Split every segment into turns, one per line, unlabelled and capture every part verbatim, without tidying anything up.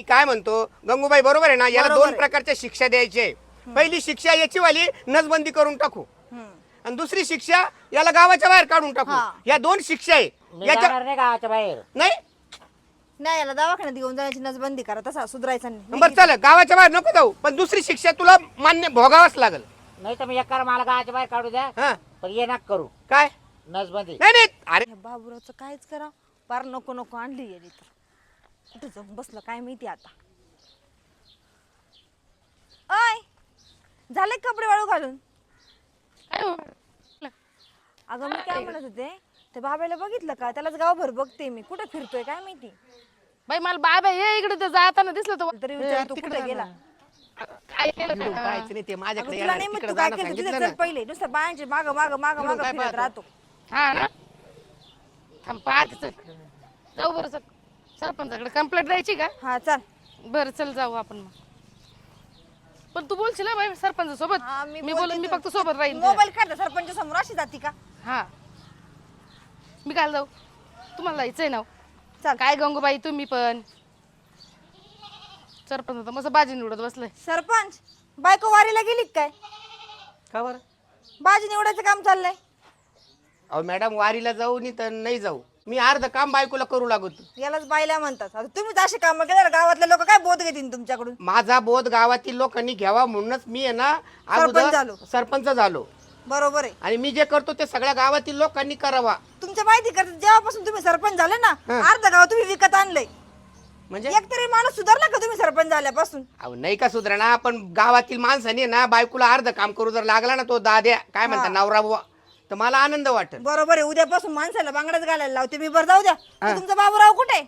काय म्हणतो गंगूबाई बरोबर आहे ना, याला
बरोबर
दोन
आहे.
प्रकारच्या शिक्षा द्यायचे. पहिली शिक्षा याची वाली नसबंदी करून टाकू आणि दुसरी शिक्षा याला गावाच्या बाहेर काढून टाकू.
हा.
या दोन शिक्षा आहे
मी
याच्या
जाणार नाही गावाच्या बाहेर.
नाही.
नाही याला दवाखान्यात घेऊन जाण्याची नसबंदी करा, तसा सुधारायचा नाही.
बरं चल गावाच्या बाहेर नको जाऊ, पण दुसरी शिक्षा तुला मान्य भोगावंच लागेल.
नाही तर मी एक करा मला गावाच्या बाहेर काढू द्या,
हा
पण ये नाक करू
काय
नसबंदी.
नाही नाही अरे
या बाबूरावचं कायच करा, पार नको नको आणली गेली तर कुठे जाऊन बसलं काय माहिती आता. अय झाले कपडे वाळू घालून? अगं मी काय म्हणत होते, ते बाबाला बघितलं का? त्यालाच गावभर बघते मी, कुठे फिरतोय काय माहिती.
बाई मला बाबा हे इकडे ते जाताना दिसलं तर
तरी विचार तू कुठे गेला?
काय केलं
इकडून
काय?
पाहायचं नाही ते
अगं
माझ्याकडे
तुला
येणार,
नाही मग
तिकडे
तू काय
जाणं
केलं तिथे
सांगितलं
चल
ना.
पहिले, नुसतं बायांचे माग माग माग
इकडून
माग
काय
फिरत
पाहतो?
राहतो.
हा ना थांब पाहते चल जाऊ बरं चल सरपंचाकडे कंप्लेंट द्यायची का?
हा चल.
बरं चल जाऊ आपण मग. पण तू बोलशील ना बाई सरपंच सोबत?
हा,
मी
बोलते
बोलून मी
तू.
फक्त सोबत राहीन तुझ्या.
मोबाईल काढला सरपंच समोर अशी जाती का?
हा मी काय जाऊ, तुम्हाला जायचंय ना?
चल.
काय गंगूबाई तुम्ही पण सरपंच तर मस्त बाजी निवडत बसलाय.
सरपंच बायको वारीला गेली का काय?
का बरं?
बाजी निवडायचं काम चाललंय.
अहो मॅडम वारीला जाऊ नाही तर नाही जाऊ, मी अर्ध काम बायकोला करू लागतो.
यालाच बायला म्हणतात. आता तुम्हीच असे काम केलं गावातले लोक काय बोध घेतील तुमच्याकडून?
माझा बोध गावातील लोकांनी घ्यावा म्हणूनच मी आहे ना
सरपंच झालो.
अगोदर सरपंच झालो
बरोबर आहे.
आणि मी जे करतो ते सगळ्या गावातील लोकांनी करावा.
तुमच्या माहिती करतात जेव्हापासून तुम्ही सरपंच झाले ना,
हा.
अर्ध गाव तुम्ही विकत आणलंय.
म्हणजे
एक तरी माणूस सुधारला का तुम्ही सरपंच झाल्यापासून?
अहो नाही का सुधरणा, पण गावातील माणसाने ना बायकोला अर्ध काम करू जर लागला ना, तो दाद्या काय म्हणतात नवरा बुवा, तर मला आनंद वाटेल.
बरोबर आहे. उद्यापासून माणसाला बांगड्याच घालायला लावते मी. बरं जाऊ द्या. तो तुमचा बाबूराव कुठे?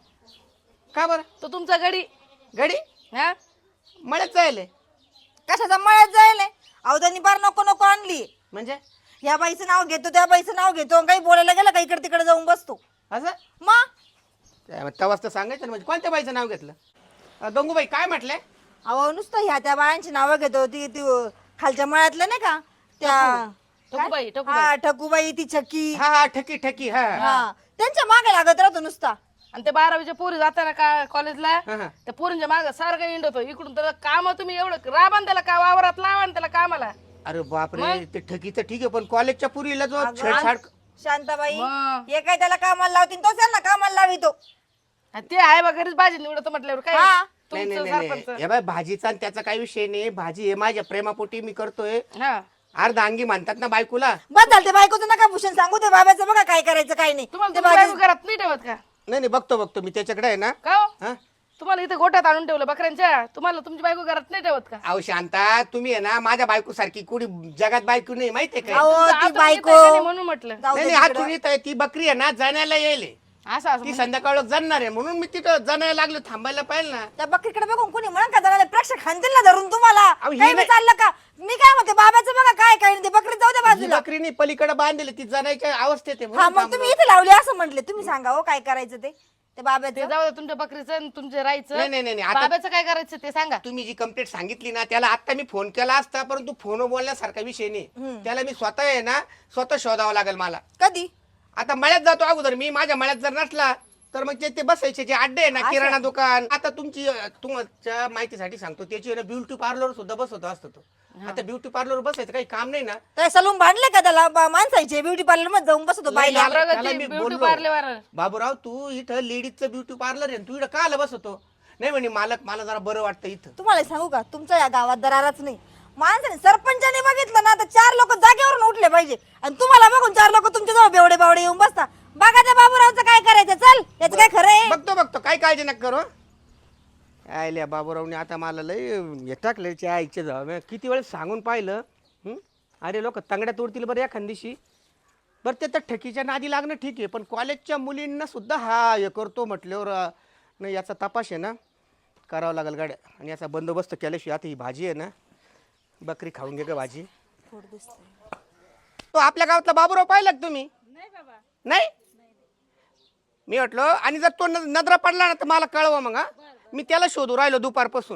का बरं?
तो तुमचा गडी
गडी
हा
मळ्यात जायले
कशाचा मळ्यात जायला? अहो त्यांनी बार नको नको आणली.
म्हणजे
या बाईचं नाव घेतो त्या बाईचं नाव घेतो आणि काही बोलायला गेलं का इकडे तिकडे जाऊन बसतो.
असं
मग
तवाच तर सांगायचं ना. म्हणजे कोणत्या बाईचं नाव घेतलं? अं, गंगूबाई काय म्हटलंय?
अहो नुसतं ह्या त्या बायांची नावं घेतो. ती ती खालच्या मळ्यातल्या नाही का त्या
ठकूबाई ठकूबाई
हा ठकूबाई, ती छक्की,
हा हा ठकी ठकी हा
हा त्यांच्या मागे लागत राहतो नुसता.
आणि ते बारावीच्या पोरी जाताना का कॉलेजला
हा, हा.
त्या पोरींच्या माग सारखं इंडतो इकडून त्याला काम तुम्ही एवढं राबान त्याला का वावरात लावा आणि त्याला कामाला.
अरे बापरे, ते ठकीचं ठीक आहे, पण कॉलेजच्या पुरीला जो छेडछाड
शांताबाई
मग.
हे काय त्याला कामाला लावतील, तोच यांना कामाला लावितो.
आणि ते आहे बा घरीच भाजी निवडत म्हटल्यावर काय
हा.
नाही
तुमचं
नाही नाही
सरपंच.
हे बाय भाजीचा आणि त्याचा काही विषय नाही. भाजी हे माझ्या प्रेमापोटी मी करतोय.
हा
अर्ध अंगी म्हणतात ना बायकोला.
बस झालं ते बायकोचं नका भूषण सांगू. ते बाबाचं बघा काय करायचं काय नाही.
तुम्हाला
ते
तुमची
बाजी-
बायको घरात नाही ठेवत का?
नाही नाही बघतो बघतो मी त्याच्याकडे आहे ना.
का हो?
हा
तुम्हाला इथे गोठ्यात आणून ठेवलं बकऱ्यांच्या, तुम्हाला तुमची बायको घरात नाही ठेवत का?
अहो शांता, तुम्ही आहे ना माझ्या बायको सारखी कुणी जगात बायको नाही माहितीये का?
अहो
तुमचं
ती
आतून
बायको
येतंय का नाही म्हणून म्हटलं.
जाऊ
नाही
दे
नाही
तिकडं.
हातून येत आहे. ती बकरी आहे ना जाण्याला येईल.
असं असं
ती संध्याकाळ जाणार आहे म्हणून मी तिथं जाण्याला लागलो. थांबायला पाहिजे ना.
त्या बकरीकडे बघून कोणी म्हणा का जरा प्रेक्षक खांदेल ना धरून तुम्हाला.
अहो, ही
काही
नाही-
चाललं का? मी काय म्हणते बाबाचं बघा काय काय नाही. ते बकरी जाऊ द्या
ही
बाजूला.
बकरीने पलीकडे बांधलेली ती जाण्याच्या अवस्थेत आहे
हा
म्हणून
मग
थांबलो.
तुम्ही इथे लावली असं म्हटले. तुम्ही सांगा हो काय करायचं ते ते
ते
बाबाचं.
जाऊ द्या तुमच्या बकरीचं आणि तुमच्या राईचं.
नाही, नाही, नाही, नाही. आता-
बाबाचं काय करायचं ते सांगा.
तुम्ही जी कंप्लेंट सांगितली ना, त्याला आता मी फोन केला असता, परंतु फोन बोलण्यासारखा विषय नाही. त्याला मी स्वतः आहे ना स्वतः शोधावं लागेल मला.
कधी?
आता मळ्यात जातो अगोदर मी. माझ्या मळ्यात जर नसला तर मग ते ते बसायचे जे अड्डे आहे ना, किराणा दुकान. आता तुमची तुमच्या माहितीसाठी सांगतो, त्याची ना ब्युटी पार्लर सुद्धा बसवतो असतो तो. आता ब्युटी पार्लर बसायचं काही काम नाही ना.
त्या सलून भांडले का त्याला बा- माणसाचे ब्युटी पार्लर मध्ये जाऊन बसतो बाईला.
त्याला- त्याला
प्रगती
मी
ब्युटी
बोललो,
पार्लर.
बाबूराव तू इथं लेडीजचं ब्युटी पार्लर आहे, तू इथं का आला बसवतो? नाही म्हणे मालक मला जरा बरं वाटतं इथं.
तुम्हाला सांगू का तुमच्या या गावात दरारच नाही. माणसाने सरपंचाने बघितलं ना तर चार लोक जागेवरून उठले पाहिजे आणि तुम्हाला बघून चार लोक तुमच्या जवळ बेवडे बावडे येऊन बसता. बघा त्या बाबूरावचं काय करायचं. चल याचं काय खरं आहे?
बघतो बघतो काय काळजी नका करू. आयल्या बाबूरावने आता मला लय हे टाकलं च्या आईच्या जाव. मी किती वेळेस सांगून पाहिलं. हं? अरे लोक तंगड्या तोडतील बरं एखादीशी. बरं ते तर ठकीच्या नादी लागणं ठीक आहे, पण कॉलेजच्या मुलींना सुद्धा हा हे करतो म्हटल्यावर अं, नाही याचा तपास आहे ना करावं लागेल गाड्या. आणि याचा बंदोबस्त केल्याशिवाय आता ही भाजी आहे ना, बकरी खाऊन घे ग भाजी. तो आपल्या गावातला बाबूराव पाहिला का तुम्ही? नाही मी म्हटलं. आणि जर तो न- नजरा पडला ना तर मला कळवा मग. हा मी त्याला शोधू राहिलो दुपारपासून.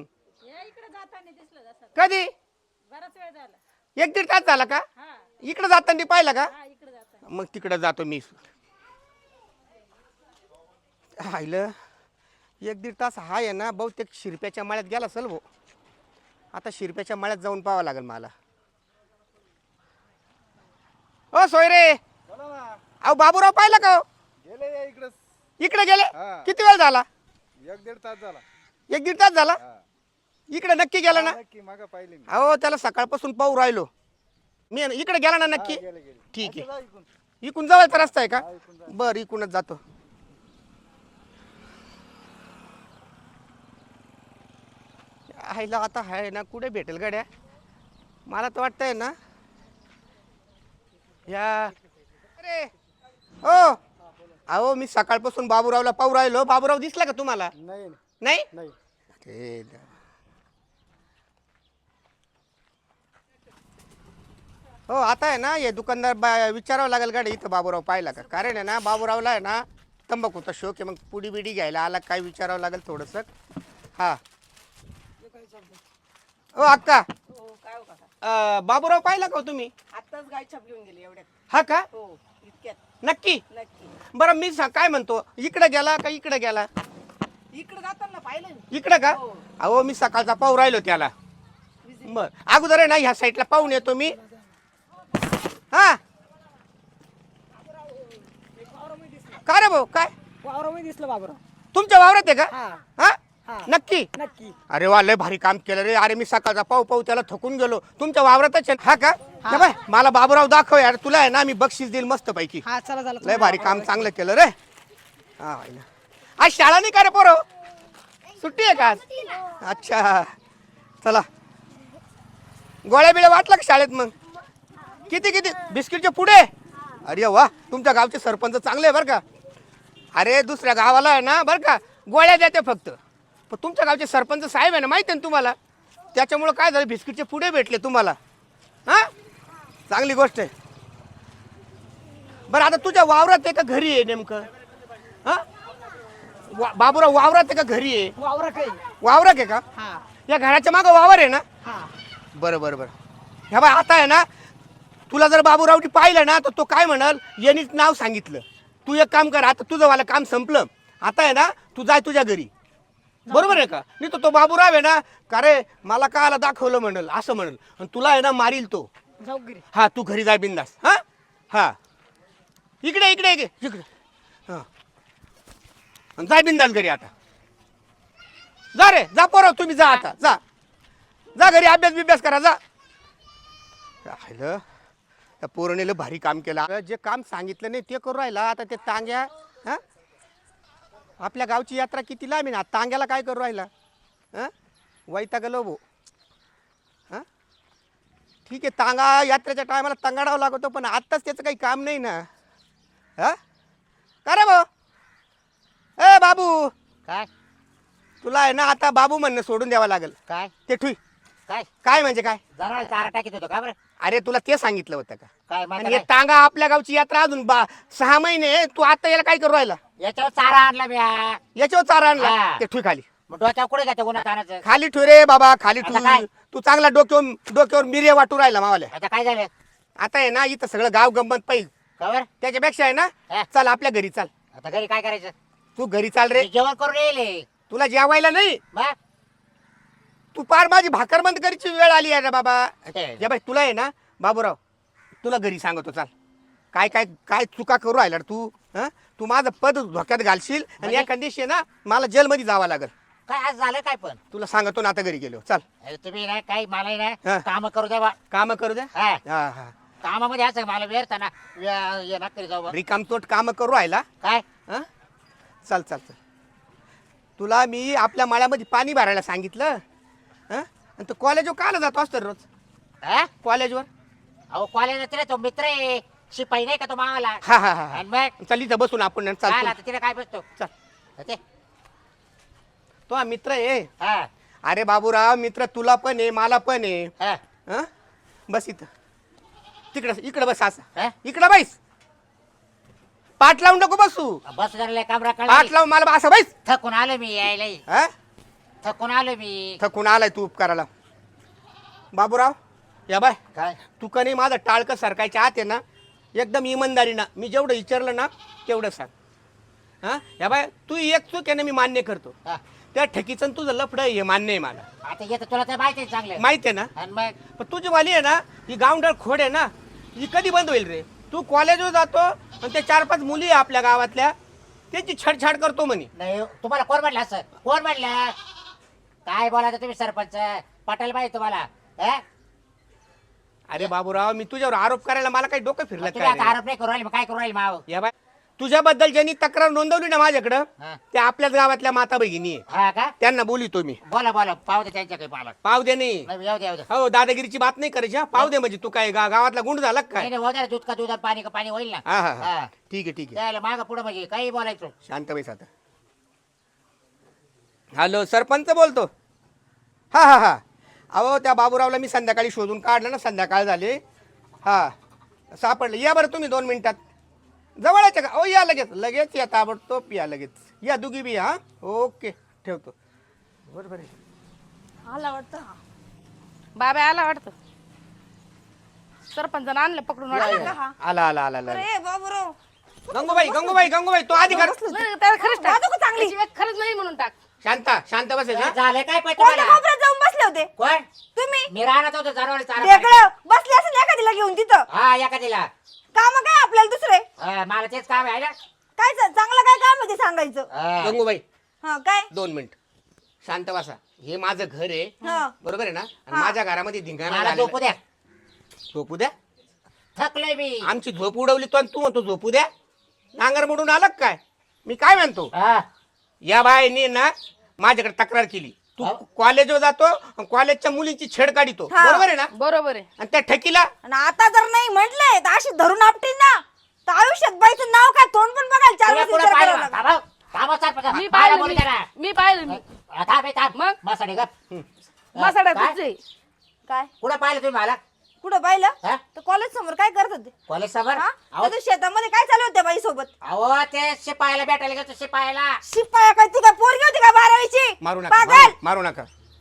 कधी? एक दीड तास झाला का? इकडे जाताना पाहिला का? मग तिकडे जातो मी. आईलं एक दीड तास हा आहे ना बहुतेक शिरप्याच्या माळ्यात गेला असेल भाऊ. आता शिरप्याच्या माळ्यात जाऊन पाहावं लागेल मला. ओ सोयरे, अहो बाबूराव पाहिला का हो?
गेले इकडे
इकडे गेले.
हा.
किती वेळ झाला?
एक दीड तास झाला.
एक दीड तास झाला.
हा.
इकडे नक्की गेला ना?
नक्की मागं पाहिले मी.
अहो त्याला सकाळपासून पाहू राहिलो मी. इकडे गेला ना नक्की?
गेले गेले.
ठीक आहे.
जा इकडून.
इकून जवळचा रस्ता आहे का?
हा, इकडून जा.
बर इकूनच जातो. आईला आता आहे ना कुठे भेटेल गाड्या? मला तर वाटतंय ना या. अरे हो, अहो मी सकाळपासून बाबूरावला पाहू राहिलो. बाबूराव दिसला का तुम्हाला?
नाही
नाही.
नाही.
अरे देवा. हो आता आहे ना हे दुकानदार बा विचारावं लागेल गाडी इथं बाबूराव पाहिला का. कारण आहे ना बाबूरावला आहे ना तंबाखूचा शोक आहे. मग पुडी बिडी घ्यायला आला काय विचारावं लागेल थोडंसं. हा हो अक्का, अं, बाबूराव पाहिला का हो तुम्ही?
आताच गाय छापली गेली एवढ्यात.
हा का?
हो इतक्यात.
नक्की?
नक्की.
बरं मी सा- काय म्हणतो, इकडे गेला का इकडे गेला?
इकडे जाताना पाहिलं मी.
इकडे का?
हो.
अहो मी सकाळचा पाहू राहिलो त्याला. बर अगोदर आहे ना ह्या साईडला पाहून येतो मी. हा का रे भाऊ काय
वावरामध्ये दिसलं बाबूराव.
तुमच्या वावरात आहे का?
हा
हा
हा.
नक्की?
नक्की.
अरे वा लय भारी काम केलं रे. अरे मी सकाळचा पाहू पाहू त्याला थकून गेलो. तुमच्या वावरातच आहे? हा का? हे बाय मला बाबूराव दाखव यार. तुला आहे ना मी बक्षीस देईल मस्त पैकी.
हा चला चला.
लय भारी काम चांगलं केलं रे. हा आहे ना. आज शाळा नाही का रे पोरो? सुट्टी आहे का आज? अच्छा चला. गोळ्या बिळ्या वाटला का शाळेत मग? किती किती बिस्किटचे पुढे? अरे वा तुमच्या गावचे सरपंच चांगले आहे बरं का. अरे दुसऱ्या गावाला आहे ना बरं का गोळ्या देते फक्त. पण तुमच्या गावचे सरपंच साहेब आहे ना माहिती आहे ना तुम्हाला. त्याच्यामुळं काय झालं बिस्किटचे पुढे भेटले तुम्हाला. हा चांगली गोष्ट आहे. बरं आता तुझ्या वावरात आहे का घरी आहे नेमकं? हा वा बाबूराव वावरात आहे का घरी आहे?
वावरा काही.
वावरात आहे का?
हा
या घराच्या मागं वावर आहे ना?
हा.
बरं बरं बरं. ह्या बाय आता आहे ना तुला जर बाबूरावटी पाहिलं ना तर तो काय म्हणाल यांनीच नाव सांगितलं. तू एक काम कर, आता तुझं वाला काम संपलं. आता आहे ना तू जाय तुझ्या घरी. बरोबर आहे का? नाही तर तो बाबूराव आहे ना का रे मला काला दाखवलं म्हणल असं म्हणल आणि तुला आहे ना मारील तो.
जाऊ घरी.
हा तू घरी जाय बिंदास. हा हा इकडे इकडे इकडे इकडे. हा आणि जाय बिंदास घरी. आता जा रे जा पोरं तुम्ही जा. आता जा जा घरी अभ्यास बिभ्यास करा जा. राहिलं त्या पोरणीला भारी काम केलं. जे काम सांगितलं नाही ते करू राहिला. आता ते तांग्या हा आपल्या गावची यात्रा किती लांब आहे ना तांग्याला काय करू राहिला? हां वैतागलो भाऊ. हां ठीक आहे तांगा यात्रेच्या टायमाला तंगाडावं लागतो पण आत्ताच त्याचं काही काम नाही ना. हां का रे भाऊ? ए बाबू
काय
तुला आहे ना आता बाबू म्हणणं सोडून द्यावं लागेल.
काय
ते ठुई
काय
काय म्हणजे काय?
जरा चारा टाकीत होतो का बरं?
अरे तुला ते सांगितलं होतं का?
काय माहिती
आणि हे
काय?
तांगा आपल्या गावची यात्रा अजून बा सहा महिने आहे. तू आता याला काय करू राहिला?
याच्यावर चारा आणला मी हा.
याच्यावर चारा आणला.
हा.
ते ठुई खाली
मग डोक्यावर कुठे जाते उन्हात आणायचं?
खाली ठुई रे बाबा खाली
आता काय?
ठुई. तू चांगला डोक्यावर डोक्यावर मिरे वाटू राहिला मावाल्या.
आता काय झालं
आता आहे ना इथं सगळं गाव गंमत पाहिजे.
का बरं?
त्याच्यापेक्षा आहे ना
हा.
चल आपल्या घरी चाल.
आता घरी काय करायचं?
तू घरी चाल रे.
मी जेवण करून येईल.
तुला जेवायला नाही.
मग
तू पार माझी भाकर बंद करायची वेळ आली आहे रे बाबा.
हे.
जे बाई तुला आहे ना बाबूराव तुला घरी सांगतो चाल. काय काय काय चुका करू राहिला रे तू? हा तू माझं पद धोक्यात घालशील आणि
म्हणजे?
या कंडिशन ना मला जेलमध्ये जावं लागेल.
काय आज झालं काय पण?
तुला सांगतो ना आता घरी गेलो चाल.
अरे तुम्ही ना काही मला
हा.
ना काम करू द्या बा.
काम करू द्या.
हा.
हा हा
कामामध्ये असं मला वेरताना ये ना करी जाऊ बा.
रिकामतोट काम करू राहिला.
काय
हा चल चल चल. तुला मी आपल्या माळ्यामध्ये पाणी भरायला सांगितलं. हा आणि तू कॉलेजवर कायला जातो असतो रे रोज?
हा?
कॉलेजवर
अहो कॉलेज तिला तो मित्र आहे शिपाई नाही का तो मावाला.
हा हा हा
आणि मग
चल इथं बसून आपण
काय
चाल
आता तिला काय बसतो
चल.
ते
तो हा मित्र आहे.
हा
अरे बाबूराव मित्र तुला पण आहे मला पण आहे.
हा
हा बस इथं तिकडं इकडं बस असं.
हा?
इकडं बैस. पाठ लावून नको बसू.
बस जरा काम
पाठ
राखा.
लावून मला असं बैस.
थकून आलो मी यायला.
हा
थकून आलो मी.
थकून आलाय तू उपकाराला. बाबूराव या बाय
काय
तू का नाही माझं टाळकं सरकायच्या आत आहे ना एकदम इमानदारीनं मी जेवढं विचारलं ना तेवढं सांग. हा या बाय तू एक चूक आहे ना मी मान्य करतो
हा.
त्या ठकीचं तुझं लफड आहे हे मान्य आहे मला
आता येतं तुला तर माहिती आहे चांगलं
माहिती आहे ना
आणि मग
पण तुझी वाली आहे ना ही गावंडळ खोड आहे ना ही कधी बंद होईल रे तू कॉलेजवर जातो आणि ते चार पाच मुली आहे आपल्या गावातल्या त्याची छडछाड करतो म्हणे
नाही तुम्हाला कोण म्हणलं असं कोण म्हणलं काय बोलायचं तुम्ही सरपंच पटेल पाहिजे तुम्हाला हा?
अरे बाबूराव मी तुझ्यावर आरोप करायला मला काही डोकं फिरलं
तुम्ही आता
काय रे?
आरोप नाही करू राहिले मग काय करू राहिले माव
या बाय तुझ्याबद्दल ज्यांनी तक्रार नोंदवली ना माझ्याकडं
हा.
त्या आपल्याच गावातल्या माता भगिनी आहे
हा का
त्यांना बोलितो मी
बोला बोला पाहू दे त्यांच्या काही पाला
पाव दे नाही
नाही येऊ दे येऊ दे
हो दादागिरीची बात नाही करायची हा पाव दे म्हणजे तू काय गा- गावातला गुंड झाला का
नाही
काय
नाही, होऊ दे ना, दूध का दूध आणि पाणी का पाणी होईल ना
हा हा हा
हा.
ठीक आहे ठीक आहे
त्याला माग पुढे म्हणजे काही बोलायचं
शांत बैस आता हॅलो सरपंच बोलतो हा हा हा अहो त्या बाबूरावला मी संध्याकाळी शोधून काढलं ना संध्याकाळ झाले हा सापडलं या बरं तुम्ही दोन मिनिटात जवळच का ओ या लगेच लगेच या ताबडतोब या लगेच या दुगी बी हा ओके ठेवतो बरोबर आहे
आला वाटतं हा.
बाबा आला वाटतं सरपंचानं आणलं पकडून
या,
वाटतं.
या. आला आला आला आला
अरे बाबूराव
गंगूबाई गंगूबाई गंगूबाई तो आधी कर
नाही, नाही, त्याला खरंच टाक.
वाजू का चांगली?
त्याची वेळ खरंच नाही म्हणून टाक
शांता शांत बसेल ना
झालं काय पण
कोणत्या
तुम्हाला
कोपऱ्यात जाऊन बसले होते
कोण
तुम्ही
मी राहणार होतो जनावर चारा
वेगळं बसले असेल एखादीला घेऊन तिथं
हा एखादीला
काम काय आपल्याला दुसरे
हा, मला तेच काम आहे ना
काय च- चांगलं काय काम आहे ते सांगायचं
हा.
गंगूबाई
हा काय
दोन मिनिट शांत बसा हे माझं घर आहे
हा
बरोबर आहे ना आणि
हा.
माझ्या घरामध्ये धिंगाणा
मला झोपू
झालेला.
द्या
झोपू द्या
थकलोय मी
आमची झोप उडवली तो आणि तू म्हणतो झोपू द्या नांगर मोडून आला का काय मी काय म्हणतो
हा.
या बाईने ना माझ्याकडे तक्रार केली तू
हा.
कॉलेजवर जातो आणि कॉलेजच्या मुलींची छेड काढितो
हा.
बरोबर आहे ना
बरोबर आहे
आणि त्या ठकीला
आणि आता जर नाही म्हटलंय तर अशी धरून आपटीन ना तर आयुष्यात बाईचं नाव काय तोंड पण बघायला चार
तुला
वेळेस
कुठं
विचार करावा
पाहिलं?
लागेल.
थांबव. थांबव सरपंच.
मी
मला
पाहिलं
बोलू
मी
द्या ना.
मी पाहिलं मी
हा, थांब हे थांब
मग?
मसाडे गप
मसाडा
काय?
तुझे
काय
कुठं पाहिलं तुम्ही मला
कुठं पाहिलं
हा?
तर कॉलेज समोर काय करत होते
कॉलेज समोर
हा?
अहो
तर शेतामध्ये काय चालू होत्या बाई सोबत
अहो, ते शिपायाला भेटायला गेलो शिपायाला
शिपाया काय ती काय पोरगी होती का बारावीची
मारू नका
पागल
मारू- मारू नका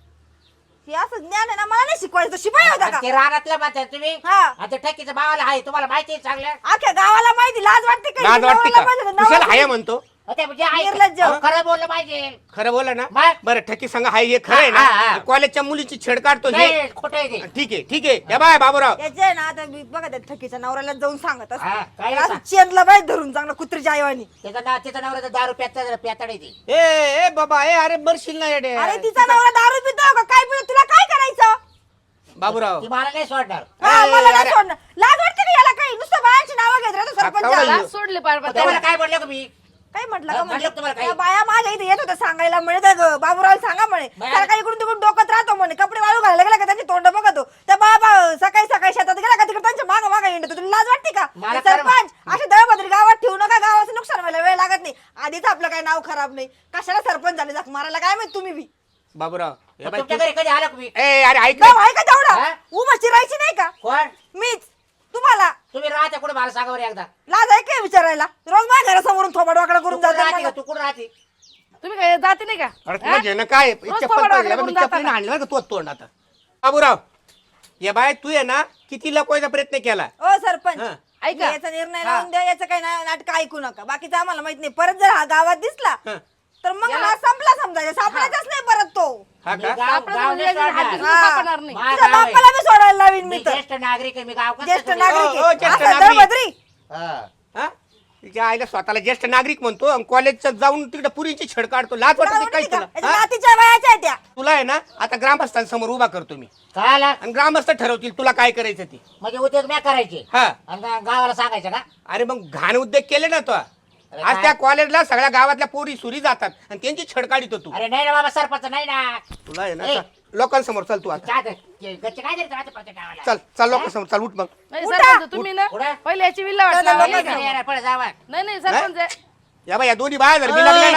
हे असं ज्ञान आहे ना मला नाही शिकवायचं शिपाई होता
आणि
का
ते रानातलं म्हणतात तुम्ही
हा.
आणि ते ठकीचं भावाला आहे तुम्हाला माहिती आहे चांगलं
अख्ख्या गावाला माहिती लाज वाटते का
लाज वाटते
नवऱ्याला
का
पाहिजे होतं,
कुशाला
नवरा-
हाय म्हणतो
अहो, ते म्हणजे आहे.
निर्लज्ज.
अहो, खरं बोललं पाहिजे
खरं बोला ना
मग?
बरं ठकी सांगा हाय हे खरं आहे
हा, हा,
ना
हा.
कॉलेजच्या मुलीची छेड काढतो हे
नाही खोटं आहे ते
ठीक आहे ठीक आहे या बाय बाबूराव
याचे आहे ना आता मी बघा त्या ठकीच्या नवऱ्याला जाऊन सांगत असते.
हा, काय
असं
सांग?
चेनला बाई धरून चांगलं कुत्रीच्या आईवानी
त्याचं नाव त्याचं नवऱ्याचं दारू प्यात प्यातड आहे ती
ए ए बाबा ए अरे मरशील ना येडे
अरे तिचा नवरा दारू पितो का काय पितो तुला काय करायचं
बाबूराव
ती मला नाही सोडणार
हा,
ए,
मला नाही
अरे.
सोडणं लाज वाटते का याला काही नुसतं बायांची नावं घेत राहतो
कवळा
सरपंचाला
येऊ.
सोडले पार पार
तुम्हाला काय बोललो का मी
काय म्हटलं
हा,
का
म्हटलं
म्हणजे
तुम्हाला काही?
त्या बाया माझ्या इथे येत होत्या सांगायला म्हणे त्या ग- बाबूराव सांगा म्हणे
बाया-
सारखा इकडून तिकडून डोकत राहतो म्हणे कपडे वाळू घालायला गेला का त्यांची तोंड बघतो त्या बाबा सकाळी सकाळी शेतात गेला का तिकडे त्यांच्या मागं मागं येणं तुला लाज वाटते का
मला
सरपंच असे दळभद्री गावात ठेवू नका गावाचं नुकसान व्हायला वेळ लागत नाही आधीच आपलं काही नाव खराब नाही कशाला सरपंच झाले जाक मारायला काय माहित तुम्ही बी
बाबूराव या
मग
बाई,
तुमच्या
तू-
घरी कधी आला का मी
ए अरे ऐक
गाव
ना.
आहे का तेवढा
हा?
उभा चिरायची नाही का
कोण
मीच तुम्हाला
तुम्ही राहते कुठे मला सांगा बरं एकदा
लाज आहे काय विचारायला रोज माझ्या घरासमोरून थोबाड वाकडा
तू
करून
कुठं राहते
जाते
का? तू कुठं राहते
तुम्ही काय जाते नाही का
अरे
हा?
तुला घेणं काय
रोज
चप्पल
थोबाड
पाहिजे
वाकडं
मी
करून
चप्पलीने
जाता
आणलं का तो तोंड आता बाबूराव या बाय तू आहे ना किती लपवायचा प्रयत्न केला
ओ सरपंच
हा.
ऐका.
याचा निर्णय
हा.
लावून द्या याचं काही ना- नाटक ऐकू नका बाकीचं आम्हाला माहित नाही परत जर हा गावात दिसला
हा.
तर मग हा संपला समजायचा सापडायचाच नाही परत तो
हा
मी
का
गाव-
सापडत
गाव
म्हणजे
नाही
याच्या
सोडणार.
हाती
हा.
सापडणार नाही
माझं
तुझ्या
गाव आहे.
बापाला मी सोडायला लावीन मी
मी
तर
ज्येष्ठ नागरिक आहे मी गाव कसं
ज्येष्ठ
सोडू?
नागरिक
ओ, ओ,
आहे.
ज्येष्ठ
असं
नागरिक.
दळभद्री.
हा.
हा? तिच्या आईला स्वतःला ज्येष्ठ नागरिक म्हणतो आणि कॉलेजचं जाऊन तिकडे पुरीची छेड काढतो लाज
तुला
वाटते काय
आवडते का?
तुला
याच्या
हा?
नातीच्या वयाच्या आहेत त्या
तुला आहे ना आता ग्रामस्थांसमोर उभा करतो मी
काय आला
आणि ग्रामस्थ ठरवतील तुला काय करायचं ते
म्हणजे उद्योग मी करायचे
हा
आणि गा- गावाला सांगायचं का
अरे मग घाण उद्योग केले ना तो
अरे
आज
काय?
त्या कॉलेजला सगळ्या गावातल्या पोरी सुरी जातात आणि त्यांची छेड काढितो तू
अरे नाही ना बाबा सरपंच नाही ना
तुला आहे ना
ए.
चल, लोकांसमोर चल तू आता
काय ते- घरचे काय देतात आता प्रत्येक गावाला?
चल चल लोकांसमोर चल उठ मग
नाही
उठा.
सरपंच तुम्ही ना
उठा.
पहिले याची विल्ला
चला,
वाटला
लोकं
नाही,
जाऊ.
नाही, नाही, पळ जावा.
नाही नाही सरपंच आहे.
या बाई या दोन्ही बाया जर मी लागल्या ना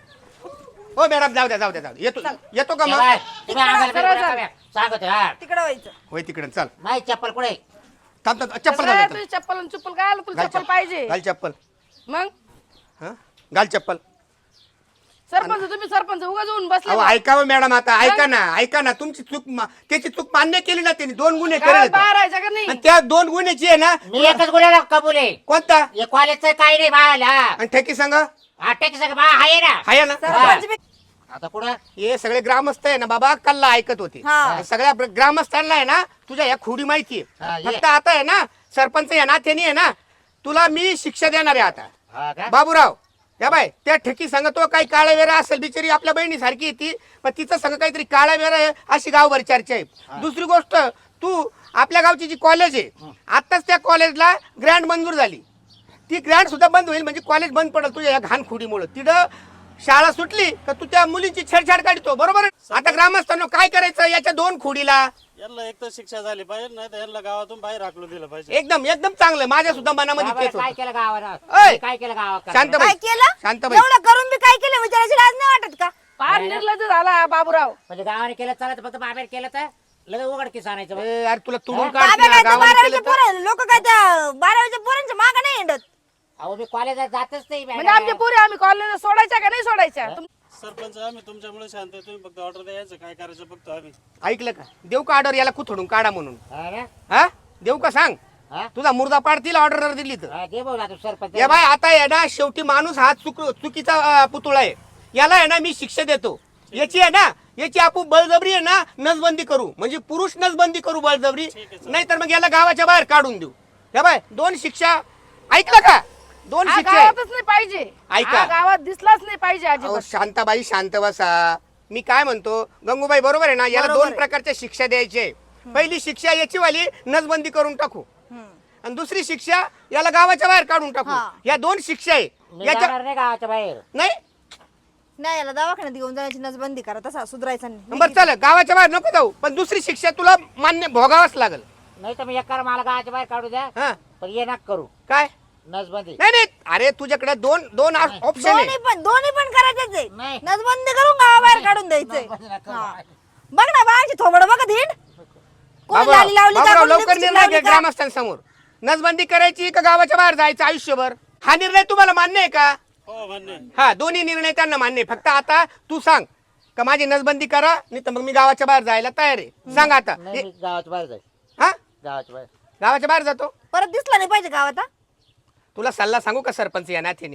हो मॅडम जाऊ द्या जाऊ द्या जाऊ द्या येतो येतो का
तेव्हा
मग
तुम्ही अंगाला
सरळ
बिलकुल
जा.
नका सांगतो हा
तिकडे व्हायचं
होय तिकडे चल
नाही चप्पल कुठे
थांब थांब चप्पल
कसं
घाल
आहे,
चल.
तुझी चप्पल आणि चप्पल काय आलं तुला
घाल
चप्पल
चप्पल
पाहिजे
घाल चप्पल
मग
हा घाल चप्पल
सरपंच तुम्ही सरपंच उगा जाऊन बसले
अहो
बा.
ऐकावं मॅडम आता ऐका ना ऐका ना तुमची चूक मा- त्याची चूक मान्य केली ना त्यांनी दोन गुन्हे
गावात
केले
बाहेर राहायचं का नाही
आणि त्या दोन गुन्ह्याची आहे ना
मी एकच गुन्ह्याला कबूल आहे
कोणता
हे कॉलेजचं काही नाही बाळाला
आणि ठेकी सांगा
आटे की सगळं बा आहे ना
आहे ना
सरपंच बी-
आता पुढं
हे सगळे ग्रामस्थ आहे ना बाबा कल्ला ऐकत होते
हा.
सगळ्या ब्र- ग्रामस्थांना आहे ना तुझ्या या खोडी माहिती
हा,
आहे
ये.
फक्त आता आहे ना सरपंच या नात्याने आहे ना तुला मी शिक्षा देणार आहे आता
हा का?
बाबूराव या बाय त्या ठेकी सांगतो काही काळा वेरा असेल बिचारी आपल्या बहिणी सारखी येते पण तिचं संग काहीतरी काळा वेरा आहे अशी गावभर चर्चा आहे दुसरी गोष्ट तू आपल्या गावची जी कॉलेज आहे आताच त्या कॉलेजला ग्रँड मंजूर झाली ती ग्रँड सुद्धा बंद होईल म्हणजे कॉलेज बंद पडेल तुझ्या या घाण खोडीमुळे तिथं शाळा सुटली का तू त्या मुलींची छेडछाड काढतो बरोबर आहे? आता ग्रामस्थांना काय करायचं याच्या दोन खोडीला
यांना एक तर शिक्षा झाली पाहिजे नाही तर यांना गावातून बाहेर हाकलून दिलं पाहिजे.
एकदम एकदम चांगलं माझ्या सुद्धा मनामध्ये
बाबा,
तेच
काय
होतं.
केलं गावानं
ओय!
काय केलं गावात
शांत
काय
बाई
केलं
शांत बाई
एवढं करून बी काय केलं विचारायची लाज नाही वाटत का
फार निर्लज्ज झाला बाबूराव.
म्हणजे गावाने केलं चालत फक्त बाहेर केलं तर लगेच उघडकीस आणायचं बा.
ए, अरे तुला तुडून
हा?
काढतील
बाबा
ना,
काय तर
गावाला
बारावीच्या
केलं तर.
पोरं लोक काय त्या बारावीच्या पोरांच्या मागं नाही हिंडत
अहो मी कॉलेजात जातच नाही
म्हणजे आमच्या पोरी आम्ही कॉलेजला सोडायच्या का नाही सोडायच्या तुम-
सरपंच आम्ही तुमच्यामुळे शांत आहे. तुम्ही फक्त ऑर्डर द्यायचं काय करायचं बघतो आम्ही.
ऐकलं का देऊ का ऑर्डर याला कुथडून काढा म्हणून
हा ना?
हा देऊ का सांग
हा?
तुझा मुर्दा पाडतील ऑर्डर दिली तर
हा, दे भाऊ आता सरपंच
या बाय आता आहे ना शेवटी माणूस हा चुक चुकीचा अं, पुतळा आहे याला आहे ना मी शिक्षा देतो याची आहे ना याची आपण बळजबरी आहे ना नसबंदी करू म्हणजे पुरुष नसबंदी करू बळजबरी नाही तर मग याला गावाच्या बाहेर काढून देऊ या बाय दोन शिक्षा ऐकलं का दोन
हा
शिक्षा आहे.
गावातच नाही पाहिजे
ऐका.
हा गावात दिसलाच नाही पाहिजे
अहो,
अजिबात.
शांताबाई शांत बसा मी काय म्हणतो गंगूबाई बरोबर आहे ना याला
बरोबर
दोन
आहे.
प्रकारच्या शिक्षा द्यायचे पहिली शिक्षा याची वाली नसबंदी करून टाकू आणि दुसरी शिक्षा याला गावाच्या बाहेर काढून टाकू
हा.
या दोन शिक्षा आहे
मी
याच्या
जाणार नाही गावाच्या बाहेर
नाही
नाही याला दवाखान्यात घेऊन जाण्याची नसबंदी करा तसा सुधारायचा नाही
बरं चल गावाच्या बाहेर नको जाऊ पण दुसरी शिक्षा तुला मान्य भोगावंच लागल
नाही तर मी एक करा मला गावाच्या बाहेर काढू द्या
हा
पण ये नाक करू
काय
नसबंदी
नाही नाही अरे तुझ्याकडे दोन दोन ऑप्शन
दोन्ही
आहे
पण दोन्ही पण करायचंच आहे
नाही.
नसबंदी करून गावाबाहेर काढून द्यायचंय
नसबंदी नका करू.
हा. बघ ना बाळाची थोबड बघत हिंड कोणी
बाबूराव
लाली लावली का
बाबूराव,
कोणी
लवकर
लिपस्टिक
निर्णय
लावली
घे
का?
ग्रामस्थांसमोर नसबंदी करायची का गावाच्या बाहेर जायचं आयुष्यभर हा निर्णय तुम्हाला मान्य आहे का
हो म्हणणे
हा दोन्ही निर्णय त्यांना मान्य आहे फक्त आता तू सांग का माझी नसबंदी करा नाही तर मग मी गावाच्या बाहेर जायला तयार आहे सांग आता
नाही मी गावाच्या बाहेर जाईल
हा
गावाच्या बाहेर
गावाच्या बाहेर जातो
परत दिसला नाही पाहिजे गावात हा?
तुला सल्ला सांगू का सरपंच या नात्याने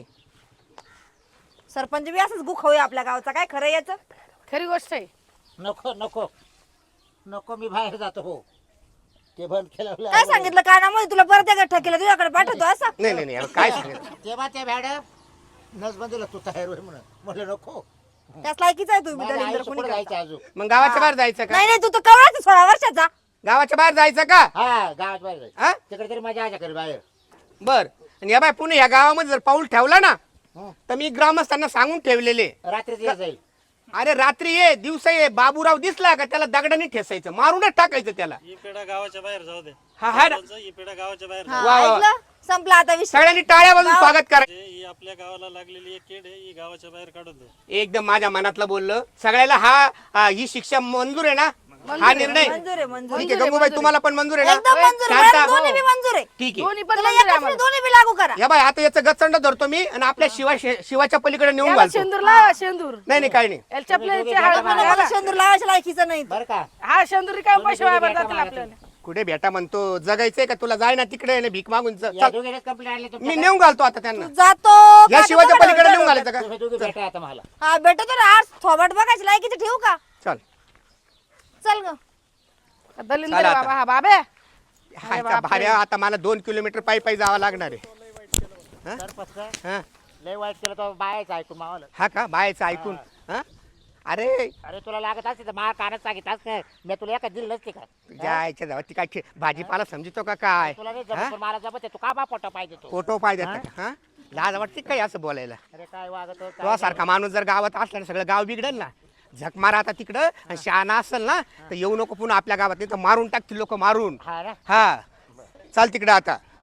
सरपंच बी असंच गुखवूया आपल्या गावचा काय खरं याचं
खरी गोष्ट आहे.
नको नको नको मी बाहेर जातो हो ते बंद केलं
काय सांगितलं कानामध्ये तुला परत एकदा ठकेलं तुझ्याकडे पाठवतो असं
नाही नाही नाही अहो, काय सांगितलं
तेव्हा ते मॅडम नसबंदीला तू तयार होय म्हणून म्हटलं नको
त्याच लायकीचा आहे तुम्ही
माझं
दलिंदर
आयुष्य
कोणी
पुढे
करता.
जायचं अजून
मग गावाच्या बाहेर जायचं का
नाही नाही तू तर कवळाच आहे सोळा वर्षाचा
गावाच्या बाहेर जायचं का
हा गावाच्या बाहेर जायचं
हा
तिकडे तरी मजा आहे घरी बाहेर
बर आणि या बाय पुणे या गावामध्ये जर पाऊल ठेवला ना
हं.
तर मी ग्रामस्थांना सांगून ठेवलेले
रात्रीच ये जाईल
अरे रात्री ये दिवसा ये बाबूराव दिसला का त्याला दगडाने ठेसायचं मारूनच टाकायचं त्याला
ही पिढा गावाच्या बाहेर जाऊ दे.
हा हा
सरपंच, ही पिढा गावाच्या बाहेर
हा,
जाऊ
वा, वा.
ऐकलं संपला आता विषय
सगळ्यांनी टाळ्या वाजून स्वागत करा
दे. ही आपल्या गावाला लागलेली एक केड आहे ही गावाच्या बाहेर काढून दे.
एकदम माझ्या मनातलं बोललं सगळ्याला हा हा, ही शिक्षा मंजूर आहे ना हा निर्णय
मंजूर आहे मंजूर
ठीक आहे गंगूबाई तुम्हाला पण मंजूर आहे
एकदम
ना
मंजूर आहे.
शांता.
मला दोन्ही बी मंजूर आहे
ठीक आहे
दोन्ही पण
तुला
मंजूर आहे
एकाच
आम्हाला.
नाही, दोन्ही बी लागू करा
या बाय आता याचं गचंड धरतो मी आणि आपल्या शिवा शिवाच्या पलीकडे नेऊन
याला
घालतो
शेंदूर लावा शेंदूर
नाही नाही काही नाही
याला चपल्याची
तुम्ही
हळद
दोघे
मला
घाला.
मला शेंदूर लावायच्या लायकीचं नाही
बरं का
हा शेंदूर काय पैसे वाया
दोन्ही
जातील
भेटा
आपल्याला.
कुठे भेटा म्हणतो जगायचंय का तुला जाय ना तिकडे ना भीक मागून जा-
या
चल.
दोघीनेच कंप्लेंट आणली
मी
तुमच्या
नेऊन घालतो आता त्यांना
जातो
या
का
शिवाच्या
तुझ्याकडे
पलीकडे नेऊन
होतं?
घालायचं का
तुम्ही दोघी भेटा आता मला
हा भेटतो ना आज थोबट बघायची लायकीचं ठेवू का
चल
चल ग
दलिंदर
चला आता.
बाबा हा बाबे
हाय का भाड्या आता मला दोन किलोमीटर पायी पायी जावं लागणार आहे
सरपंच काय?
हा?
लय वाईट केलं तो बायाचं ऐकून मावाला
हा का बायचं ऐकून हा? अरे
अरे तुला लागत असते तर मा कानात सांगितलं असतं मी तुला एका दिली नसते का
जायच्या जावा ती काय खे- भाजीपाला समजतो का काय
तुला नाही
हा?
जमत पण मला जमत आहे. तू का बा पोटा पाहिजे तू
फोटो पाहिजे हा लाज वाटते काय असं बोलायला
अरे काय वागत हो, काय
तो सारखा माणूस जर गावात असला ना सगळं गाव बिघडल ना झक मारा आता तिकडं आणि शहाणा असेल ना तर येऊ नको पुन्हा आपल्या गावात नाही तर मारून टाकतील लोक मारून
हा ना
हा चाल तिकडं आता